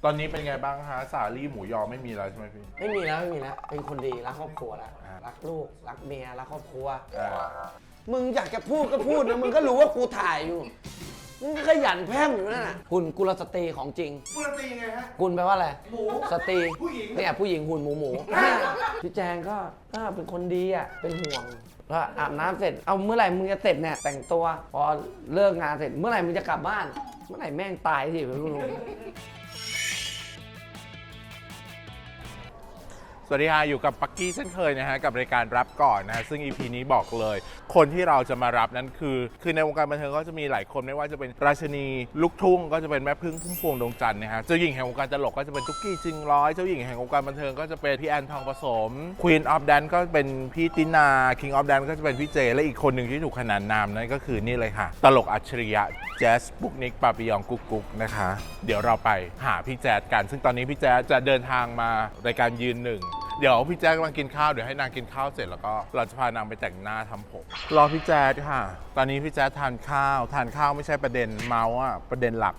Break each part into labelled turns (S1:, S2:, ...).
S1: ตอนนี้เป็นไงบ้างคะสาลี่หมูยอไม่มีแล้วใช่ไหมพี่
S2: ไม่มีแล้วเป็นคนดีรักครอบครัวแล้วรักลูกรักเมียรักครอบครัวมึงอยากจะพูดก็พูดนะมึงก็รู้ว่ากูถ่ายอยู่มึงก็ขยันแพร่มอยู่นั่นน่ะหุ่นกุลสตรีของจริง
S3: กุลสตรียังไงฮะ
S2: กุลแปลว่าอะไร
S3: หมู
S2: สตรี
S3: ผู้หญิง
S2: เนี่ยผู้หญิงหุ่นหมูพี่แจงก็เป็นคนดีอ่ะเป็นห่วงก็อาบน้ำเสร็จเอาเมื่อไหร่มึงจะเสร็จเนี่ยแต่งตัวพอเลิกงานเสร็จเมื่อไหร่มึงจะกลับบ้านเมื่อไหร่แม่งตายสิไม่รู้
S1: สวัสดีค่ะอยู่กับปักกี้เช่นเคยนะฮะกับรายการรับก่อนนะฮะซึ่ง EP นี้บอกเลยคนที่เราจะมารับนั้นคือในวงการบันเทิงก็จะมีหลายคนไม่ว่าจะเป็นราชินีลูกทุ่งก็จะเป็นแม่พึ่งพุ่มพวงดวงจันทร์นะฮะเจ้าหญิงแห่งวงการตลกก็จะเป็นตุ๊กกี้จริงร้อยเจ้าหญิงแห่งวงการบันเทิงก็จะเป็นพี่แอนทองผสม Queen of Dance ก็เป็นพี่ตินา King of Dance ก็จะเป็นพี่เจและอีกคนหนึ่งที่ถูกขนานนามนั่นก็คือนี่เลยค่ะตลกอัจฉริยะแจ๊สบุกนิกปาปิยองกุ๊กกุ๊กนะคะเดี๋ยวเราไปหาพี่แจ๊สกันซึ่งตอนนี้พี่แจ๊สจะเดินทางมารายการยืนหนึ่งเดี๋ยวพี่แจ๊สกำลังกินข้าวเดี๋ยวให้นางกินข้าวเสร็จแล้วก็เราจะพานางไปแต่งหน้าทำผมรอพี่แจ๊สค่ะตอนนี้พี่แจ๊สทานข้าวไม่ใช่ประเด็นเมาส์อะประเด็นหลัก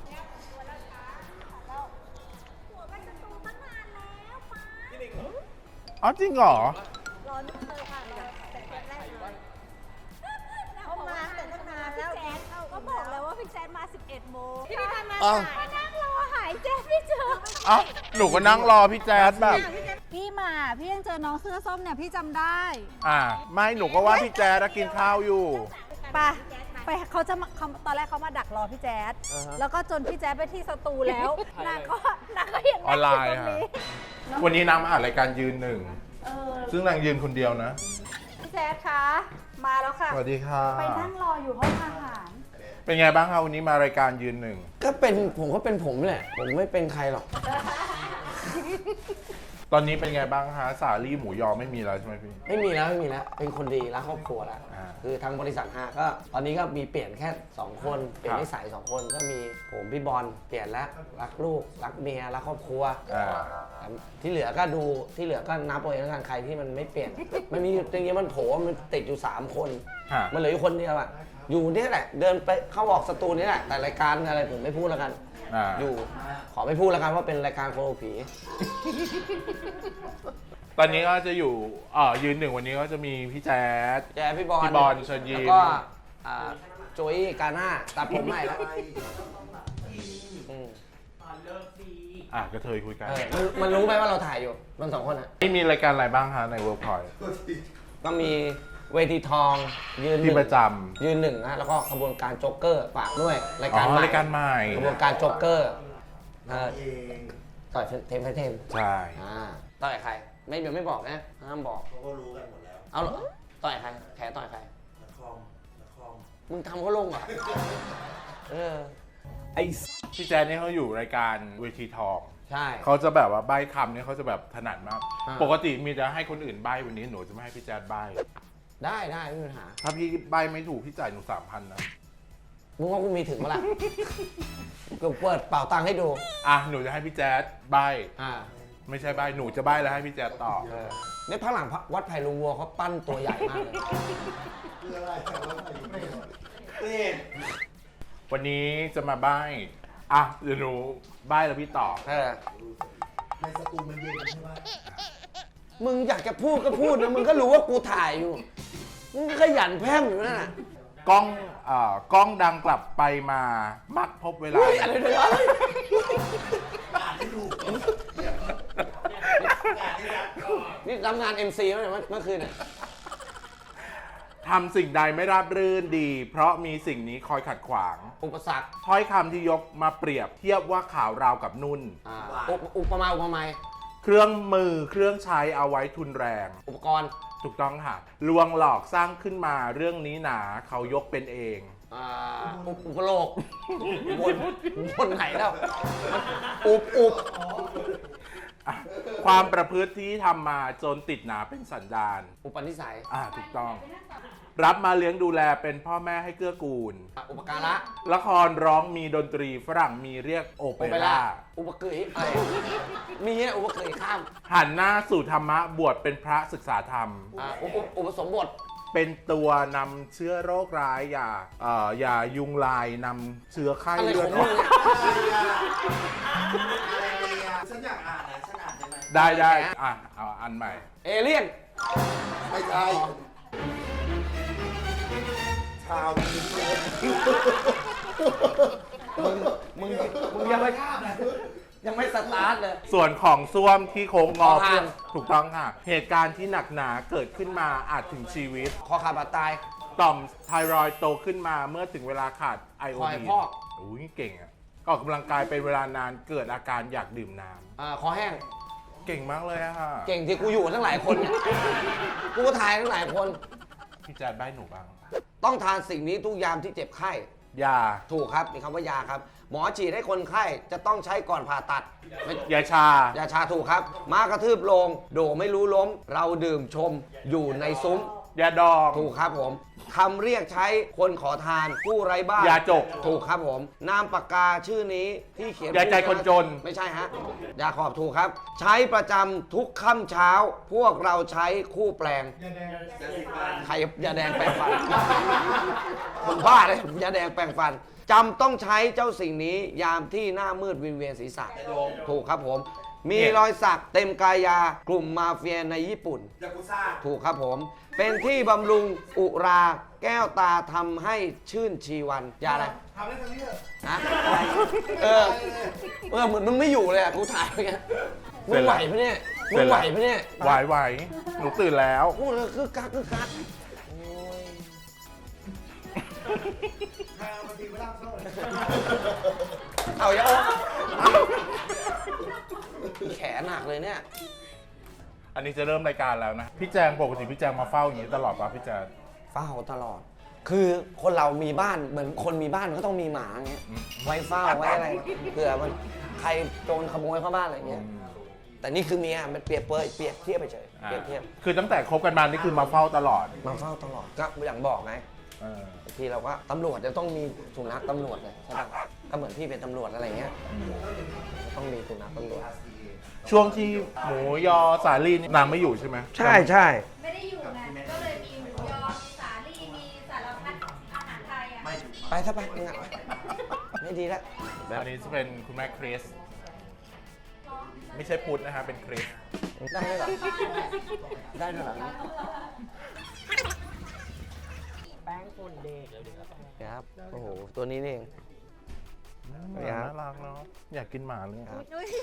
S1: อ๋อจริงเหรอ
S4: รอลูกเธอค่ะแต่แรกเลยเขามาแต่ตั้งนานแล้วก็บอกแล้วว่าพี่แจ๊ดมา 11 โมงพี่ทันมานั่งรอหายแจ๊ดไม่เจอ
S1: อ๋อหนูก็นั่งรอพี่แจ๊สแบบ
S4: พี่มาพี่ยังเจอน้องเสื้อส้มเนี่ยพี่จำได้
S1: ไม่หนูก็ว่าพี่แจ๊สกินข้าวอยู่
S4: ไปเขาจะตอนแรกเขามาดักรอพี่แจ๊ดแล้วก็จนพี่แจ๊ดไปที่สตูแล้วนางก็ยัง
S1: ออนไลน์ค่ะวันนี้นางมาอ่านรายการยืนหนึ่งซึ่งนางยืนคนเดียวนะ
S4: พี่แจ๊ดคะมาแล้วค่ะ
S1: สวัสดีค่ะ
S4: ไปนั่งรออยู่ห้องอาหาร
S1: เป็นไงบ้างคะวันนี้มารายการยืนหนึ่ง
S2: ก็เป็นผมก็เป็นผมแหละผมไม่เป็นใครหรอก
S1: ตอนนี้เป็นไงบ้างคะสาลี่หมูยอไม่มีแล้วใช่ไหมพี่
S2: ไม่มีแล้วเป็นคนดีรักครอบครัวแล้วคือทางบริษัทก็ตอนนี้ก็มีเปลี่ยนแค่2คนเปลี่ยนนิสัย2คนก็มีผมพี่บอลเปลี่ยนแล้วรักลูกรักเมียรักครอบครัวที่เหลือก็ดูที่เหลือก็นับเอาเองแล้วกันใครที่มันไม่เปลี่ยนมันมีจริงๆมันโผล่มันติดอยู่3คนมันเหลืออยู่คนเดียวอ่ะอยู่นี่แหละเดินไปเข้าออกสตูนี่แหละแต่รายการอะไรผมไม่พูดแล้วกันอยู่ขอไม่พูดแล้วกันว่าเป็นรายการโคโลผี
S1: ตอนนี้ก็จะอยู่ยืนหนึ่งวันนี้ก็จะมีพี่แจ๊ส
S2: พี่บอล
S1: เชิญยิ้ม
S2: แล้วก็โจยกาน่าตัดผมใหม่แล้ว
S1: กระเทยคุยกัน
S2: มันรู้ไหมว่าเราถ่ายอยู่มัน2คนอ่ะ
S1: นี่มีรายการอะไรบ้างคะในเวิร์กพอยต์
S2: ก็มีเวทีทองยืนหนึ่ง
S1: ประจำ
S2: ยืนหนึ่งนะแล้วก็ขบวนการโจ๊กเกอร์ฝากด้วยรายการ
S1: ใหม่
S2: ขบวนการโจ๊กเกอร์ต่อยเทมไฟเทม
S1: ใช่
S2: ต่อยใครไม่บอกนะห้ามบอก
S3: เขาก็รู้กันหมดแล้ว
S2: เอาต่อยใครแผลต่อยใคร
S3: นักคอม
S2: มึงทำเขาลงเหรอ
S1: ไอ้พี่แจ๊สนี่เขาอยู่รายการเวทีทอง
S2: ใช่
S1: เขาจะแบบว่าใบ้คำเนี่ยเขาจะแบบถนัดมากปกติมีจะให้คนอื่นใบ้วันนี้หนูจะไม่ให้พี่แจ๊สใบ้
S2: ได้ไม่มีปัญหา
S1: ถ้าพี่ใบ้ไม่ถูกพี่จ่ายหนู 3,000 นะ
S2: มึงว่ากูมีถึงเมื่อไหร่กูเปิดเป่าตังค์ให้ดู
S1: หนูจะให้พี่แจ๊สใบ้ไม่ใช่ใบ้หนูจะใบ้แล้วให้พี่แจ๊สตอบ
S2: เนี่ยพักหลังวัดไผ่ลุงวัวเขาปั้นตัวใหญ่มากเลย
S1: วันนี้จะมาใบ้เดี๋ยวหนูใบ้แล้วพี่ตอบ
S3: ในสตูมันเย็นใช่ไหม
S2: มึงอยากจะพูดก็พูดนะมึงก็รู้ว่ากูถ่ายอยู่มึงก็ขยันแพร่มอยู่นั่นน่ะ
S1: กล้องดังกลับไปมามักพบเวลา
S2: อะไรเนี่ยนี่ทำงาน MC เมื่อคืนเนี่ย
S1: ทำสิ่งใดไม่ราบรื่นดี เพราะมีสิ่งนี้คอยขัดขวาง
S2: อุปสรรค
S1: ถ้อยคำที่ยกมาเปรียบเทียบว่าข่าวราวกับนุ่น
S2: อุปมา
S1: เครื่องมือเครื่องใช้เอาไว้ทุนแรง
S2: อุปกรณ์
S1: ถูกต้องค่ะลวงหลอกสร้างขึ้นมาเรื่องนี้หนาเขายกเป็นเอง
S2: อุปโลกบนไหนแล้วอุป
S1: ความประพฤติที่ทำมาจนติดหนาเป็นสันดาน
S2: อุปนิสัย
S1: ถูกต้องรับมาเลี้ยงดูแลเป็นพ่อแม่ให้เกื้อกูล
S2: อุปการะ
S1: ละครร้องมีดนตรีฝรั่งมีเรียกโอเปร่า
S2: อุปกฤษอะไรมีอุปกฤษข้าม
S1: หันหน้าสู่ธรรมะบวชเป็นพระศึกษาธรรม
S2: อุปสมบท
S1: เป็นตัวนำเชื้อโรคร้ายอย่ายุงลายนำเชื้อไข้เลือดออกได้อ่ะเอาอันใหม่
S2: เอเลี่ยน
S3: ไม่ใช่ชาวจีน
S2: มึงยังไม่สตาร์ทเลย
S1: ส่วนของส้วมที่โค้งงอ
S2: คอหัก
S1: ถูกต้องค่ะ เหตุการณ์ที่หนักหนาเกิดขึ้นมาอาจถึงชีวิต
S2: คอขาดบาดตาย
S1: ต่อมไทรอยด์โตขึ้นมาเมื่อถึงเวลาขาดไอโอ
S2: คอย
S1: ดีน
S2: พอก
S1: อุ้ยเก่งอ่ะออกกำลังกายเป็นเวลานานเกิดอาการอยากดื่มน้
S2: คอแห้ง
S1: ำเก่งมากเลยอะค่ะ
S2: เก่งที่กูอยู่ทั้งหลายคนเนี่ยกูก็ทายทั้งหลายคน
S1: พี่แจ๊ดใบ้หนูบ้าง
S2: ต้องทานสิ่งนี้ทุกยามที่เจ็บไข้
S1: ยา
S2: ถูกครับมีคำว่ายาครับ หมอฉีดให้คนไข้จะต้องใช้ก่อนผ่าตัดไม่
S1: ยาชา
S2: ยาชาถูกครับ ม้ากระทืบลง โดไม่รู้ล้ม เราดื่มชมอยู่ในซุ้ม
S1: ยาดอง
S2: ถูกครับผมคำเรียกใช้คนขอทานผู้ไร้บ้าน
S1: ยาจก
S2: ถูกครับผม นามปากกาชื่อนี้ที่เขียน
S1: ยาใจคนจน
S2: ไม่ใช่ฮะ ยาขอบถูกครับ ใช้ประจำทุกค่ำเช้า พวกเราใช้คู่แปลงใครยาแดงแปรงฟัน ผมบ้าเลยยาแดงแปรงฟันจำต้องใช้เจ้าสิ่งนี้ยามที่หน้ามืดวิงเวียนศีรษะถูกครับผม มีรอยสักเต็มกายากลุ่มมาเฟียในญี่ปุ่น
S3: ยากุซ่า
S2: ถูกครับผม เป็นที่บำรุงอุราแก้วตาทำให้ชื่นชีวันยาอะไร
S3: ทำได้ทั้งนี้เหรอ
S2: ฮะเหมือนมึงไม่อยู่เลยอ่ะกูถ่ายไปไงมึงไหวปะเนี่ยมึงไหวปะเนี่ย
S1: ไหวหนูตื่นแล้ว
S2: พูดแล้วคือกัก
S3: ทางบางทีไม่ร่างเศร้าเลย
S2: เอาอย่าแขนหนักเลยเนี่ย
S1: อันนี้จะเริ่มรายการแล้วนะ พี่แจงปกติพี่แจงมาเฝ้าอย่างนี้ตลอดป่ะพี่แจง
S2: เฝ้าตลอด คือคนเรามีบ้านเหมือนคนมีบ้านก็ต้องมีหมาอย่างเงี้ย ไว้เฝ้าไว้อะไร เผื่อมันใครโจรขโมยเข้าบ้านอะไรเงี้ย แต่นี่คือเมียมันเปรียบเทียบไปเฉย เปรียบเทียบ
S1: คือตั้งแต่คบกันมานี่คือมาเฝ้าตลอด
S2: มาเฝ้าตลอด ก็อย่างบอกไง
S1: เออบ
S2: างทีเราก็ตำรวจจะต้องมีสุนัขตำรวจเลยใช่ปะก็เหมือนพี่เป็นตำรวจอะไรเงี้ย ต้องมีสุนัขตำรวจ
S1: ช่วงที่หมูยอสาลีนี่นางไม่อยู่ใช่ไหม
S2: ใช่ใช่
S4: ไม่ได้อยู่ไงก็เลยมีหมูยอ มีสาลี่ มีสารพัดอาหารไทยอ่ะ
S2: ไปซะไปงานไม่ดีแล้ว
S1: อันนี้จะเป็นคุณแม่คริส ไม่ใช่พุทธนะฮะเป็นคริส
S2: ได้ด้วยเหรอได้ด้วยเหรอแป้งฝุ่นเด็กครับ โอ้โห ตัวนี้นี่เอง
S1: น่ารักเนาะอยากกินหมาเลย
S2: ครับ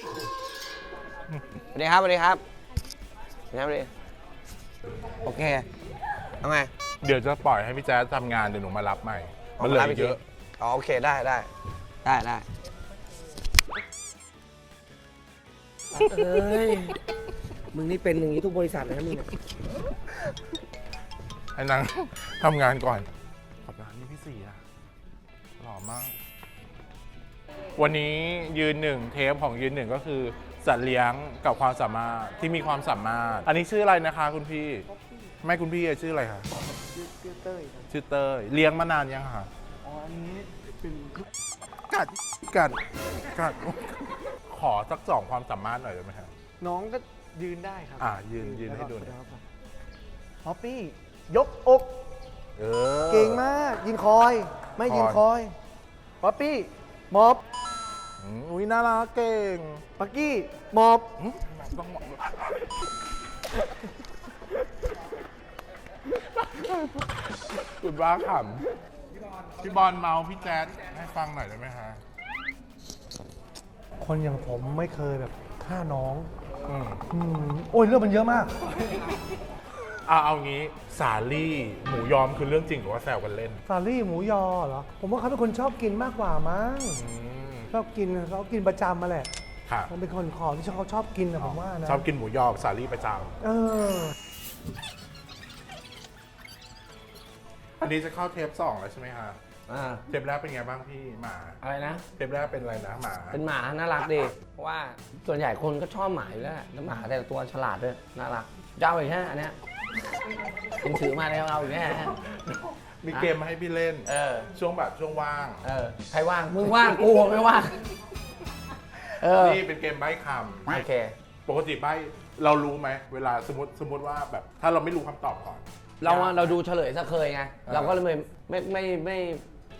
S2: สวัสดีครับสวัสดีครับสวัสดีครับโอเคเอาไง
S1: เดี๋ยวจะปล่อยให้พี่แจ๊ดทำงานเดี๋ยวหนูมารับใหม่ มันเหลือเยอะ
S2: อ๋อโอเคได้เอ้ยมึงนี่เป็นอย่างนี้ทุกบริษัทเลยนะมึง
S1: ให้นางทำงานก่อน ขอบคุณนี่พี่สี่อะหล่อมาก วันนี้ยืนหนึ่งเทปของยืนหนึ่งก็คือสัตว์เลี้ยงกับความสามารถที่มีความสามารถ อันนี้ชื่ออะไรนะคะคุณพี่ ไม่คุณพี่ชื่ออะไรคะชื่อเต้ยชื่อเต้ยเลี้ยงมานานยังคะอ๋ออันนี้เป็นกัดขอสักสองความสามารถหน่อยได้ไหมครับ
S5: น้องก็ยืนได้ครับ
S1: ยืนให้ดูหน่อย
S5: ฮอปปี้ ยกอก
S1: เออ
S5: เก่งมาก ยิงคอย ไม่ยิงคอยฮอปปี้มอบ
S1: อุ้ยน่ารักเก่ง
S5: ปักกี้มอบ
S1: ต้องบอกคุณบ้าขำพี่บอลเมาพี่แจ๊ดให้ฟังหน่อยได้ไหมฮะ
S5: คนอย่างผมไม่เคยแบบฆ่าน้อง
S1: อืม
S5: โอ้ยเรื่องมันเยอะมาก
S1: เอางี้สาลี่หมูยอมคือเรื่องจริงหรือว่าแซวกันเล่น
S5: ซาลี่หมูยอเหรอ ผมว่าเขาเป็นคนชอบกินมากกว่ามั้ง
S1: อืม
S5: ชอบกินเขากินประจำมาแหละ
S1: ค่ะ
S5: มันเป็นคนของที่เขาชอบกินนะผมว่านะ
S1: ชอบกินหมูยอสาลี่ประจ
S5: เออ
S1: ำอันนี้จะเข้าเทป2แล้วใช่ไหมฮะ
S2: อ่า
S1: เทปแรกเป็นไงบ้างพี่หมา
S2: อะไรนะ
S1: เทปแรกเป็นอะไรนะหมา
S2: เป็นหมาน่ารักดี เพราะว่าส่วนใหญ่คนก็ชอบหมาอยู่แล้วแหละแล้วหมาแต่ละตัวฉลาดด้วย น่ารักเจ้าอีกแค่อันเนี้ยผมถือมาแล้วเอาอีกแค่
S1: มีเกมมาให้พี่เล่น ช่วงแบบช่วงว่าง
S2: ใครว่าง มึงว่าง กูไม่ว่าง
S1: นี่เป็นเกมใบ้ค
S2: โอเค
S1: ำปกติใบ้เรารู้ไหมเวลาสมมติว่าแบบถ้าเราไม่รู้คำตอบก่อน
S2: เราดูเฉลยซะเคยไง เราก็เลยไม่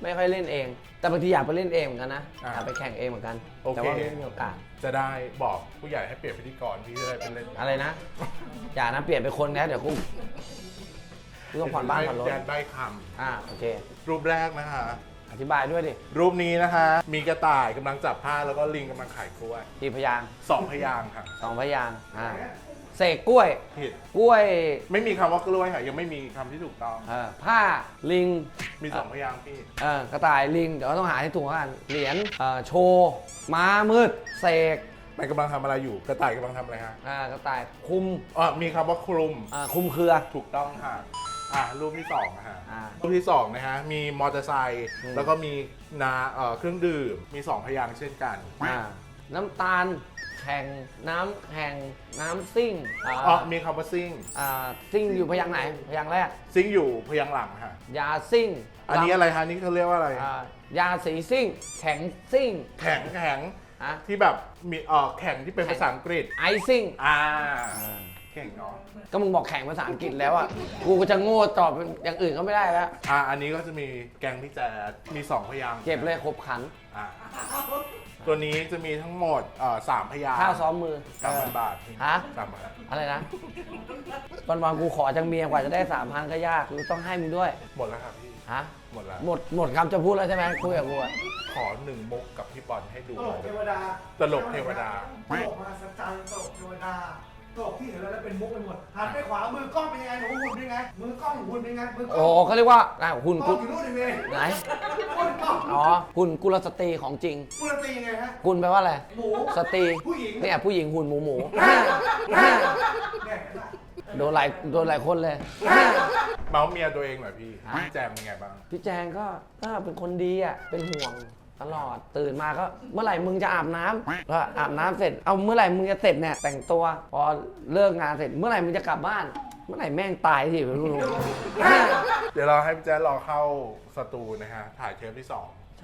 S2: ไม่ค่อยเล่นเอง แต่บางทีอยากไปเล่นเองเหมือนกันนะ
S1: อ่า
S2: อยากไปแข่งเองเหมือนกัน
S1: โอเค
S2: แต่ว่าไม่มีโอกาส
S1: จะได้บอกผู้ใหญ่ให้เปลี่ยนพิธีกรพี่จะได้เป็นเล่น
S2: อะไรนะ อย่านะเปลี่ยนเป็นคนนะเดี๋ยวกูต้องผ่อนบ้านผ่อนรถ
S1: แจนได้ค
S2: โอเค
S1: ำรูปแรกนะคะ
S2: อธิบายด้วยดิ
S1: รูปนี้นะคะ มีกระต่ายกำลังจับผ้าแล้วก็ลิงกำลังขายกล้วย
S2: กี่พยางค์
S1: 2 พยางค์ค่ะ
S2: 2 พยางค์เสกกล้วย
S1: ผิด
S2: กล้วย
S1: ไม่มีคำว่ากล้วยค่ะ ยังไม่มีคำที่ถูกต้อง
S2: ผ้าลิง
S1: มี 2 พยางค์พี่
S2: กระต่ายลิงเดี๋ยวต้องหาให้ถูกกันเหรียญโชว์ม้ามืดเสก
S1: มันกำลังทำอะไรอยู่ กระต่ายกำลังทำอะไรฮะ
S2: กระต่ายคุม
S1: มีคำว่าคลุม
S2: คุมเครือ
S1: ถูกต้องค่ะ รูปที่2นะฮะ
S2: อ่า
S1: รูปที่2นะฮะ มีมอเตอร์ไซค์ แล้วก็มีเครื่องดื่ม มี 2 พยางค์เช่นกัน
S2: น้ำตาลแข่งน้ำแข่งน้ำซิ่ง
S1: มีคำว่าซิ่ง
S2: ซิ่งอยู่พยางค์ไหนพยางค์แรก
S1: ซิ่งอยู่พยางค์หลังค่ะ
S2: ยาซิ่ง
S1: อันนี้อะไรฮะนี่เขาเรียกว่าอะไร
S2: ยาสีซิ่ง แข็งซิ่ง
S1: แข็ง
S2: ฮะ
S1: ที่แบบมีแข่งที่เป็นภาษาอังกฤษ
S2: ไอซิ่ง
S1: เก่งเนาะ
S2: ก็มึงบอกแข่งภาษาอังกฤษแล้วอ่ะ กูก็จะโง่ตอบอย่างอื่นก็ไม่ได้แล้ว
S1: อันนี้ก็จะมีแกงพี่แจ๊ดมี 2 พยางค์
S2: เก็บเลยครบขัน
S1: อ่าตัวนี้จะมีทั้งหมด3 พยางค์
S2: ข้าวซ้อมมือ
S1: 3,000 บาท
S2: ฮะ
S1: 3,000
S2: อะไรนะวันๆกูขอจังเมียกว่าจะได้ 3,000 ก็ยากกูต้องให้มึงด้วย
S1: หมดแล้วครับพี่
S2: ฮะ
S1: หมดแล้ว
S2: หมดคำจะพูดแล้วใช่ไหมคุยกับกูอะ
S1: ขอ1 มุกกับพี่บอลให้ดู
S3: ตลกเทวดา
S1: ตลกเทวดา
S3: ตลกมาสัจจันตลกเทวดาตลกที่เห็นแล้วเป็นมุกไปหมดหันไปขวามือกล้องเป็นยังไงหนูหุ่นเป็นยังไงมือกล้องหุ่นเป็นยังไงมือกล้
S2: โอ้
S3: อง
S2: เขาเรียกว่าหุ่น
S3: กล้
S2: กุ
S3: องอยู่นู่นเอง
S2: ไหน
S3: หุ่นกล้อง
S2: อ๋อหุ่นกุลสตรีของจริง
S3: กุลตียังไงฮะ
S2: กุลแปลว่าอะไร
S3: หมู
S2: สตรี
S3: ผู้หญิง
S2: เนี่ยผู้หญิงหุ่นหมู
S3: เนี่ย
S2: โดนหลายคนเลย
S1: เมาส์เมียตัวเองหน่อยพี่
S2: ฮะ
S1: พี่แจมเป็นไงบ้าง
S2: พี่แจงก็เป็นคนดีอ่ะ เป็นห่วงตลอด ตื่นมาก็เมื่อไหร่มึงจะอาบน้ำก็อาบน้ำเสร็จ เอาเมื่อไหร่มึงจะเสร็จเนี่ยแต่งตัว พอเลิกงานเสร็จ เมื่อไหร่มึงจะกลับบ้าน เมื่อไหร่แม่งตายสิไม่รู้
S1: เดี๋ยวเราให้พี่แจ๊ดรอเข้าสตูนะฮะ ถ่ายเทปที่ 2
S2: ใช่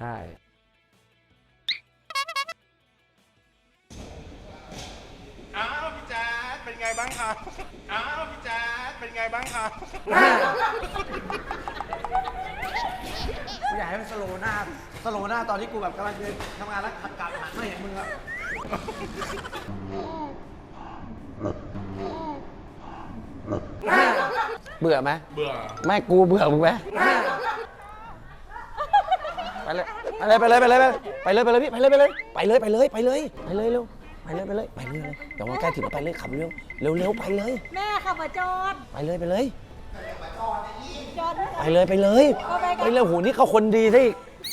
S1: อ้าวพี่แจ๊ดเป็นไงบ้างครับ อ้าวพี่แจ๊ดเป็นไงบ้างครับ
S5: อยากให้มันสโลว์หน้าตอนที่กูแบบกำลังเดินทำงานแล้วขัดกลับหันไม่เห็นมึงอะ
S2: เบื่อไหม
S1: เบื่อ
S2: ไม่กูเบื่อมึงไหมไปเลยไปเลยพี่ไปเลยเร็วไปเลยเดี๋ยวมันใกล้ถึงแล้วไปเลยขับเร็วไปเลย
S4: แม่ขับมาจอด
S2: ไปเลย
S4: จอด
S2: ไปเลยโหนี่เขาคนดีซะอีก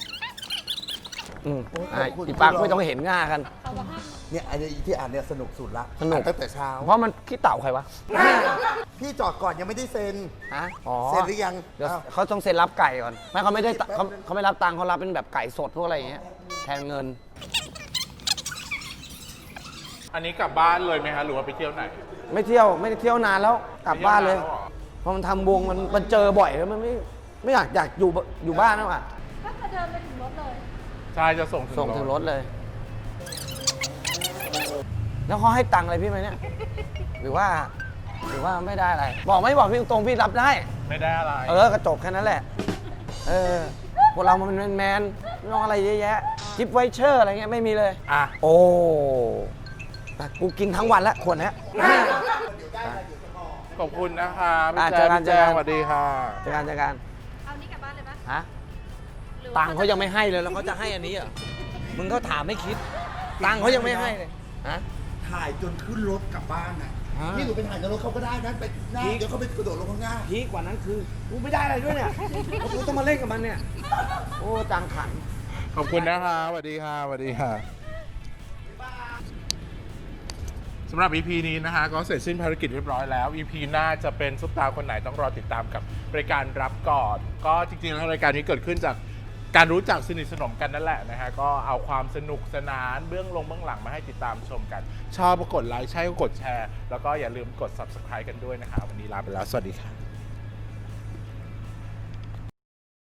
S2: อีปักไม่ต้องเห็นง่ากัน
S4: ขับมาห้าม
S3: เนี่ยไอ้ที่อ่านเนี่ยสนุกสุดละ
S2: สนุก
S3: ตั้งแต่เช้า
S2: เพราะมันขี้เต่าใครวะ
S3: พี่จอดก่อนยังไม่ได้เซ็น
S2: ฮะอ๋อ
S3: เซ็นหรือยัง
S2: เดี๋ยว
S3: อ้าว
S2: เขาต้องเซ็นรับไก่ก่อนไม่เขาไม่ได้เขาไม่รับตังค์เขารับเป็นแบบไก่สดพวกอะไรอย่างเงี้ยแทนเงิน
S1: อันนี้กลับบ้านเลยไหมฮะ หรือว่าไปเที่ยวไหน
S2: ไม่ได้เที่ยวนานแล้วกลับบ้านเลย
S1: ไปที่วหรอ
S2: เพราะมันทำวงมันเจอบ่อยแล้วมันไม่อยากอยู่บ้านแล้วอ่ะ
S4: ก็จะเดินไปถึงรถเลย
S1: ใช่จะส่ง
S2: ส่งถึงรถเลย แล้วเขาให้ตังค์อะไรพี่ไหมเนี่ย หรือว่าไม่ได้อะไร บอกไม่บอกพี่ตรงๆพี่รับได้
S1: ไม่ได้อะไร
S2: กระจกแค่นั้นแหละ พวกเรามันเป็นแมนไม่ต้องอะไรเยอะแยะจิปไวเชอร์อะไรเงี้ยไม่มีเลย
S1: อ่ะ
S2: โอ้แต่กูกินทั้งวันแล้วขวดเนี้ย
S1: ขอบคุณนะคะพี่
S2: อ่ะ
S1: แจ๊ด
S2: เจอกัน
S1: สวัสดีค่ะ
S2: เจอกัน
S4: เอานี้กลับบ้านเลยปะ
S2: ฮะตังค์เขายังไม่ให้เลยแล้วเขาจะให้อันนี้เหรอมึงก็ถามไม่คิด ตังค์เขายังไม่ให้เลยฮะ
S3: ถ่ายจนขึ้นรถกลับบ้านน่ะ
S2: ฮะ
S3: นี่หนูไปถ่ายในรถเขาก็ได้นะไปหน้าเดี๋ยวเขาไปกระโดดลงข้างหน้า
S2: พีกกว่านั้นคือกูไม่ได้อะไรด้วยเนี่ยกูต้องมาเล่นกับมันเนี่ย โอ้จังขัน
S1: ขอบคุณนะคะสวัสดีค่ะสวัสดีค่ะสำหรับ EP นี้นะคะก็เสร็จสิ้นภารกิจเรียบร้อยแล้ว EP หน้าจะเป็นซุปตาคนไหนต้องรอติดตามกับรายการรับก่อน ก็จริงๆแล้วรายการนี้เกิดขึ้นจากการรู้จักสนิทสนมกันนั่นแหละนะฮะก็เอาความสนุกสนานเบื้องหลังมาให้ติดตามชมกัน ชอบก็กดไลค์ใช่ก็กดแชร์ แล้วก็อย่าลืมกด Subscribe กันด้วยนะคะวันนี้ลาไปแล้วสวัสดีค่ะ